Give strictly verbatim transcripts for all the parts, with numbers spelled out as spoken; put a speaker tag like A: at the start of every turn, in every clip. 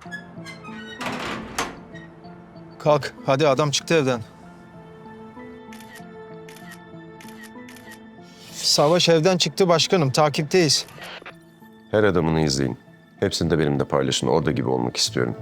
A: Kalk, hadi adam çıktı evden. Savaş evden çıktı başkanım, takipteyiz.
B: Her adamını izleyin. Hepsini de benimle paylaşın. Orada gibi olmak istiyorum.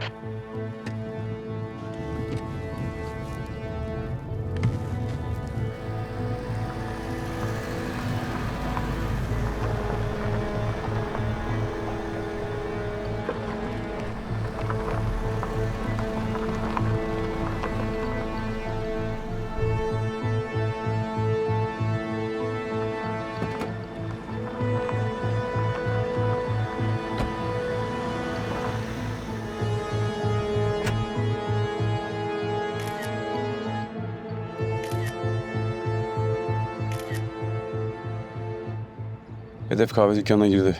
C: Hedef kahve dükkanına girdi.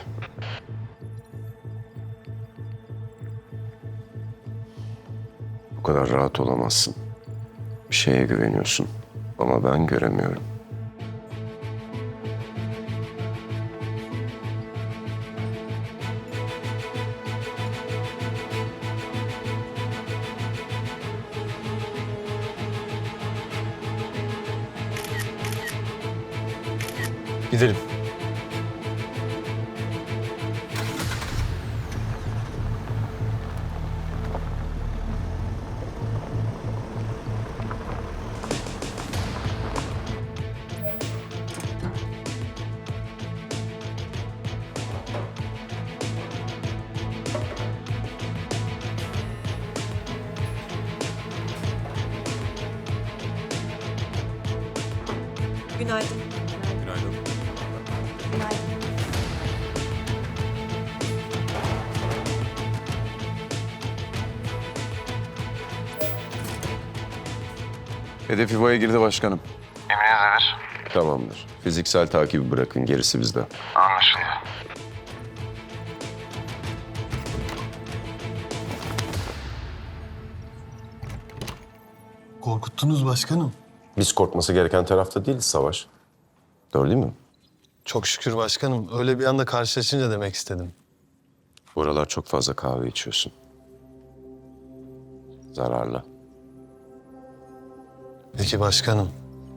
B: Bu kadar rahat olamazsın. Bir şeye güveniyorsun. Ama ben göremiyorum.
A: Gidelim.
D: Günaydın.
C: Günaydın.
D: Günaydın.
C: Hedef İvo'ya girdi başkanım.
B: Tamamdır. Fiziksel takibi bırakın. Gerisi bizde.
E: Korkuttunuz başkanım.
B: Biz korkması gereken tarafta değiliz Savaş. Doğru değil mi?
E: Çok şükür başkanım. Öyle bir anda karşılaşınca demek istedim.
B: Bu aralar çok fazla kahve içiyorsun. Zararlı.
E: Peki başkanım.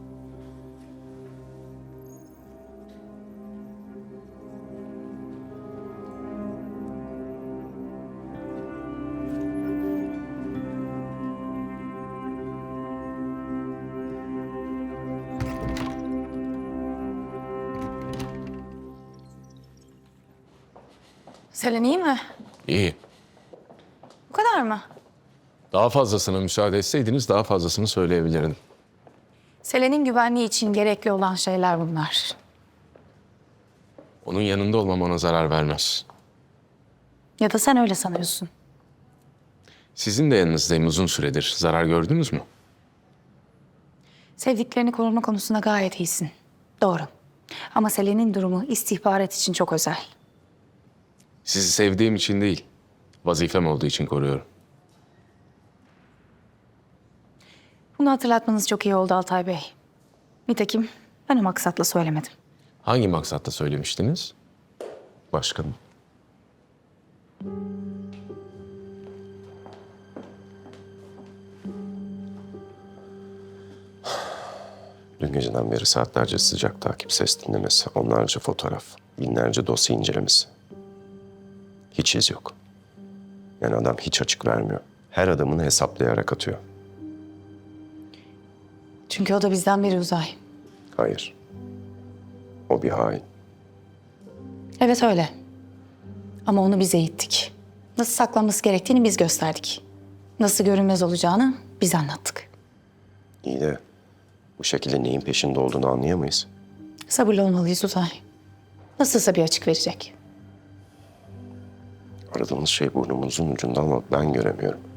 F: Selen iyi mi?
G: İyi.
F: Bu kadar mı?
G: Daha fazlasına müsaade etseydiniz daha fazlasını söyleyebilirdim.
F: Selen'in güvenliği için gerekli olan şeyler bunlar.
G: Onun yanında olmam ona zarar vermez.
F: Ya da sen öyle sanıyorsun.
G: Sizin de yanınızdayım uzun süredir. Zarar gördünüz mü?
F: Sevdiklerini koruma konusunda gayet iyisin. Doğru. Ama Selen'in durumu istihbarat için çok özel.
G: Sizi sevdiğim için değil, vazifem olduğu için koruyorum.
F: Bunu hatırlatmanız çok iyi oldu Altay Bey. Nitekim ben o maksatla söylemedim.
G: Hangi maksatla söylemiştiniz?
B: Başkanım. Dün geceden beri saatlerce sıcak takip, ses dinlemesi, onlarca fotoğraf, binlerce dosya incelemesi. Hiç iz yok. Yani adam hiç açık vermiyor. Her adımını hesaplayarak atıyor.
F: Çünkü o da bizden biri Uzay.
B: Hayır. O bir hain.
F: Evet öyle. Ama onu biz eğittik. Nasıl saklanması gerektiğini biz gösterdik. Nasıl görünmez olacağını biz anlattık.
B: İyi de bu şekilde neyin peşinde olduğunu anlayamayız.
F: Sabırlı olmalıyız Uzay. Nasılsa bir açık verecek.
B: Aradığımız şey burnumuzun ucunda ama ben göremiyorum.